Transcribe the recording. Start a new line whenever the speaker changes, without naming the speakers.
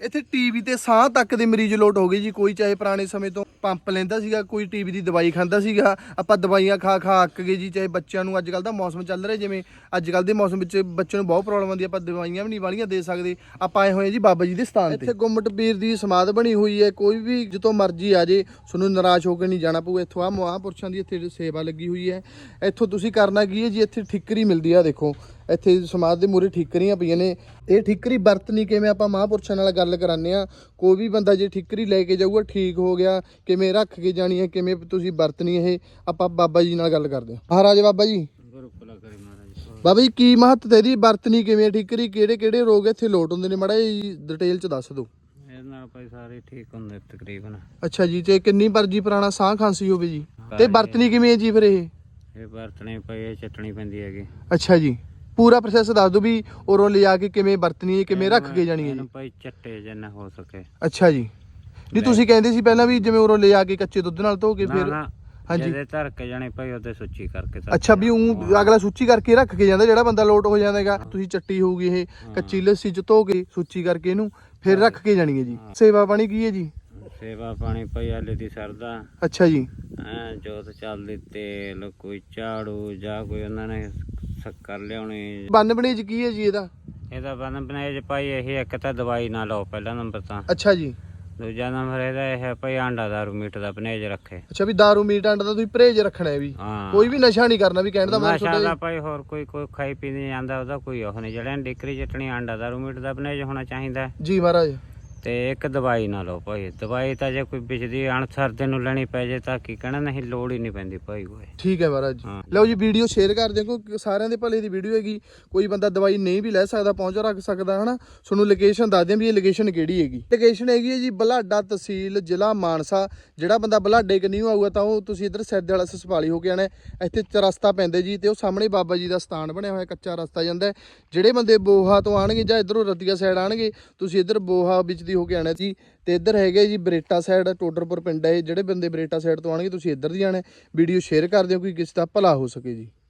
ਇੱਥੇ ਟੀਵੀ ਤੇ ਸਾਹ ਤੱਕ ਦੇ ਮਰੀਜ਼ ਲੋਟ ਹੋ ਗਏ ਜੀ। ਕੋਈ ਚਾਹੇ ਪੁਰਾਣੇ ਸਮੇਂ ਤੋਂ ਪੰਪ ਲੈਂਦਾ ਸੀਗਾ, ਕੋਈ ਟੀਵੀ ਦੀ ਦਵਾਈ ਖਾਂਦਾ ਸੀਗਾ। ਆਪਾਂ ਦਵਾਈਆਂ ਖਾ ਖਾ ਅੱਕ ਗਏ ਜੀ। ਚਾਹੇ ਬੱਚਿਆਂ ਨੂੰ ਅੱਜ ਕੱਲ੍ਹ ਦਾ ਮੌਸਮ ਚੱਲ ਰਿਹਾ, ਜਿਵੇਂ ਅੱਜ ਕੱਲ੍ਹ ਦੇ ਮੌਸਮ ਵਿੱਚ ਬੱਚਿਆਂ ਨੂੰ ਬਹੁਤ ਪ੍ਰੋਬਲਮ ਆਉਂਦੀ, ਆਪਾਂ ਦਵਾਈਆਂ ਵੀ ਨਹੀਂ ਵਾਲੀਆਂ ਦੇ ਸਕਦੇ। ਆਪਾਂ ਆਏ ਹੋਏ ਜੀ ਬਾਬਾ ਜੀ ਦੇ ਸਥਾਨ ਤੇ। ਇੱਥੇ ਗੁੰਮਟ ਪੀਰ ਦੀ ਸਮਾਧ ਬਣੀ ਹੋਈ ਹੈ। ਕੋਈ ਵੀ ਜਦੋਂ ਮਰਜ਼ੀ ਆ ਜੇ, ਤੁਹਾਨੂੰ ਨਿਰਾਸ਼ ਹੋ ਕੇ ਨਹੀਂ ਜਾਣਾ ਪਊ। ਇੱਥੋਂ ਆ ਮਹਾਂਪੁਰਸ਼ਾਂ ਦੀ ਇੱਥੇ ਸੇਵਾ ਲੱਗੀ ਹੋਈ ਹੈ। ਇੱਥੋਂ ਤੁਸੀਂ ਕਰਨਾ ਕੀ ਹੈ ਜੀ, ਇੱਥੇ ਠਿੱਕਰੀ ਮਿਲਦੀ ਆ। ਦੇਖੋ ਇੱਥੇ ਸਮਾਧ ਦੇ ਮੂਹਰੇ ਠਿੱਕਰੀਆਂ ਪਈਆਂ ਨੇ। ਇਹ ਠਿੱਕਰੀ ਵਰਤਣੀ ਕਿਵੇਂ, ਆਪਾਂ ਮਹਾਂਪੁਰਸ਼ਾਂ ਨਾਲ ਗੱਲ ਕਰਾਉਂਦੇ ਹਾਂ। ਕੋਈ ਵੀ ਬੰਦਾ ਜੇ ਠਿੱਕਰੀ ਲੈ ਕੇ ਜਾਊਗਾ, ਠੀਕ ਹੋ ਗਿਆ, ਕਿਵੇਂ ਰੱਖ ਕੇ ਜਾਣੀ ਹੈ, ਕਿਵੇਂ ਤੁਸੀਂ ਵਰਤਣੀ ਇਹ, ਆਪਾਂ ਬਾਬਾ ਜੀ ਨਾਲ ਗੱਲ ਕਰਦੇ ਹਾਂ। ਮਹਾਰਾਜ ਬਾਬਾ ਜੀ, ਬਾਬਾ ਜੀ ਕੀ ਮਹੱਤਤਾ ਇਹਦੀ, ਵਰਤਣੀ ਕਿਵੇਂ ਠਿੱਕਰੀ, ਕਿਹੜੇ ਕਿਹੜੇ ਰੋਗ ਇੱਥੇ ਲੋਟ ਹੁੰਦੇ ਨੇ, ਮਾੜਾ ਜੀ ਡਿਟੇਲ ਚ ਦੱਸ ਦਿਓ।
ਇਹਦੇ ਨਾਲ ਭਾਈ ਸਾਰੇ ਠੀਕ ਹੁੰਦੇ ਤਕਰੀਬਨ।
ਅੱਛਾ ਜੀ, ਤੇ ਕਿੰਨੀ ਮਰਜ਼ੀ ਪੁਰਾਣਾ ਸਾਹ ਖਾਂਸੀ ਹੋਵੇ ਜੀ, ਤੇ ਵਰਤਣੀ ਕਿਵੇਂ ਹੈ ਜੀ ਫਿਰ
ਇਹ ਵਰਤਣੀ ਪਈ, ਇਹ ਚੱਟਣੀ ਪੈਂਦੀ ਹੈਗੀ।
ਅੱਛਾ ਜੀ, ਪੂਰਾ ਪ੍ਰੋਸੈਸ ਦੱਸ ਦਿਓ ਵੀ ਉਰੋਂ ਲਿਜਾ ਕੇ ਕਿਵੇਂ ਵਰਤਣੀ ਹੈ, ਕਿਵੇਂ ਰੱਖ ਕੇ ਜਾਣੀ ਹੈ ਜੀ।
ਭਾਈ ਚੱਟੇ ਜਿੰਨਾ ਹੋ ਸਕੇ।
ਅੱਛਾ ਜੀ, ਨਹੀਂ ਤੁਸੀਂ ਕਹਿੰਦੇ ਸੀ ਪਹਿਲਾਂ ਵੀ ਜਿਵੇਂ ਉਰੋਂ ਲਿਜਾ ਕੇ ਕੱਚੇ ਦੁੱਧ ਨਾਲ ਧੋ ਕੇ ਫਿਰ। ਹਾਂਜੀ,
ਜਿਹਦੇ ਧਰ ਕੇ ਜਾਣੇ ਭਾਈ ਉਹਦੇ ਸੁੱਚੀ ਕਰਕੇ।
ਅੱਛਾ, ਵੀ ਉਹ ਅਗਲਾ ਸੁੱਚੀ ਕਰਕੇ ਰੱਖ ਕੇ ਜਾਂਦਾ, ਜਿਹੜਾ ਬੰਦਾ ਲੋਟ ਹੋ ਜਾਂਦਾ ਹੈਗਾ। ਤੁਸੀਂ ਚੱਟੀ ਹੋਊਗੀ ਇਹ ਕੱਚੀ ਲੱਸੀ ਚ ਧੋ ਕੇ ਸੁੱਚੀ ਕਰਕੇ ਇਹਨੂੰ ਫਿਰ ਰੱਖ ਕੇ ਜਾਣੀ ਹੈ ਜੀ। ਸੇਵਾ ਪਾਣੀ ਕੀ ਹੈ ਜੀ?
ਸੇਵਾ ਪਾਣੀ ਭਾਈ ਆਲੇ ਦੀ ਸਰਦਾ।
ਅੱਛਾ ਜੀ,
ਜੋਤ ਚੱਲਦੀ, ਤੇਲ, ਕੋਈ ਝਾੜੂ ਜਾਂ ਕੋਈ ਉਹਨਾਂ ਨੇ ਸ਼ੱਕਰ ਲਿਆਉਣੀ।
ਬੰਨ ਬਣੇ ਕੀ ਹੈ ਜੀ ਇਹਦਾ?
ਇਹਦਾ ਬੰਨ ਬਣਾਏ ਜੀ ਭਾਈ ਇਹ ਇੱਕ ਤਾਂ ਦਵਾਈ ਨਾ ਲਓ ਪਹਿਲਾ ਨੰਬਰ ਤਾਂ।
ਅੱਛਾ ਜੀ,
ਦੂਜਾ ਨੰਬਰ ਇਹਦਾ ਇਹ ਭਾਈ ਆਂਡਾ ਦਾਰੂ ਮੀਟ ਦਾ ਪਰਹੇਜ਼ ਰੱਖੇ।
ਅੱਛਾ, ਵੀ ਦਾਰੂ ਮੀਟ ਆਂਡਾ ਦਾ ਤੁਸੀਂ ਪਰਹੇਜ਼ ਰੱਖਣਾ ਹੈ ਵੀ, ਕੋਈ ਵੀ ਨਸ਼ਾ ਨਹੀਂ ਕਰਨਾ ਵੀ, ਕਹਿਣ ਦਾ ਮਤਲਬ
ਨਸ਼ਾ ਦਾ ਭਾਈ ਹੋਰ ਕੋਈ ਖਾਈ ਪੀ ਨਹੀਂ ਜਾਂਦਾ, ਉਹਦਾ ਕੋਈ ਉਹ ਨਹੀਂ। ਜਿਹੜੇ ਡਿਕਰੀ ਚਟਣੀ ਆਂਡਾ ਦਾਰੂ ਮੀਟ ਦਾ ਪਰਹੇਜ਼ ਹੋਣਾ ਚਾਹੀਦਾ
ਜੀ ਮਹਾਰਾਜ।
ਤੇ ਇੱਕ ਦਵਾਈ ਨਾ ਲਓ ਭਾਈ। ਦਵਾਈ ਤਾਂ ਜੇ ਕੋਈ ਬਿਜਲੀ ਅਣਸਰ ਦੇ ਨੂੰ ਲੈਣੀ ਪੈ ਜੇ ਤਾਂ ਕੀ ਕਹਿਣਾ, ਨਹੀਂ ਲੋੜ ਹੀ ਨਹੀਂ ਪੈਂਦੀ ਭਾਈ ਕੋਈ।
ਠੀਕ ਹੈ ਮਹਾਰਾਜ। ਲਓ ਜੀ, ਵੀਡੀਓ ਸ਼ੇਅਰ ਕਰ ਦਿਓ, ਕਿਉਂਕਿ ਸਾਰਿਆਂ ਦੇ ਭਲੇ ਦੀ ਵੀਡੀਓ ਹੈਗੀ। ਕੋਈ ਬੰਦਾ ਦਵਾਈ ਨਹੀਂ ਵੀ ਲੈ ਸਕਦਾ, ਪਹੁੰਚ ਰੱਖ ਸਕਦਾ ਹਨਾ। ਤੁਹਾਨੂੰ ਲੋਕੇਸ਼ਨ ਦੱਸ ਦਿਆਂ ਵੀ ਇਹ ਲੋਕੇਸ਼ਨ ਕਿਹੜੀ ਹੈਗੀ। ਲੋਕੇਸ਼ਨ ਹੈਗੀ ਹੈ ਜੀ ਬਲਾਡਾ, ਤਹਿਸੀਲ ਜ਼ਿਲ੍ਹਾ ਮਾਨਸਾ। ਜਿਹੜਾ ਬੰਦਾ ਬਲਾਡੇ ਕਨੀ ਆਊਗਾ ਤਾਂ ਉਹ ਤੁਸੀਂ ਇੱਧਰ ਸੈਦੇ ਵਾਲਾ ਸਸਪਾਲੀ ਹੋ ਕੇ ਆਣਾ। ਇੱਥੇ ਚਰਸਤਾ ਪੈਂਦਾ ਜੀ, ਤੇ ਉਹ ਸਾਹਮਣੇ ਬਾਬਾ ਜੀ ਦਾ ਸਥਾਨ ਬਣਿਆ ਹੋਇਆ, ਕੱਚਾ ਰਸਤਾ ਜਾਂਦਾ। ਜਿਹੜੇ ਬੰਦੇ ਬੋਹਾ ਤੋਂ ਆਣਗੇ ਜਾਂ ਇੱਧਰੋਂ ਰਤੀਆ ਸਾਈਡ ਆਣਗੇ, ਤੁਸੀਂ ਇੱਧਰ ਬੋਹਾ ਵਿੱਚ ਹੋ ਕੇ ਆਣਾ ਜੀ। ਤੇ ਇੱਧਰ ਹੈਗੇ ਜੀ ਬਰੇਟਾ ਸਾਈਡ, ਟੋਡਰਪੁਰ ਪਿੰਡ ਹੈ। ਜਿਹੜੇ ਬੰਦੇ ਬਰੇਟਾ ਸਾਈਡ ਤੋਂ ਆਣਗੇ ਤੁਸੀਂ ਇੱਧਰ ਦੀ ਆਣਾ। ਵੀਡੀਓ ਸ਼ੇਅਰ ਕਰ ਦਿਓ, ਕੋਈ ਕਿਸੇ ਦਾ ਭਲਾ ਹੋ ਸਕੇ ਜੀ।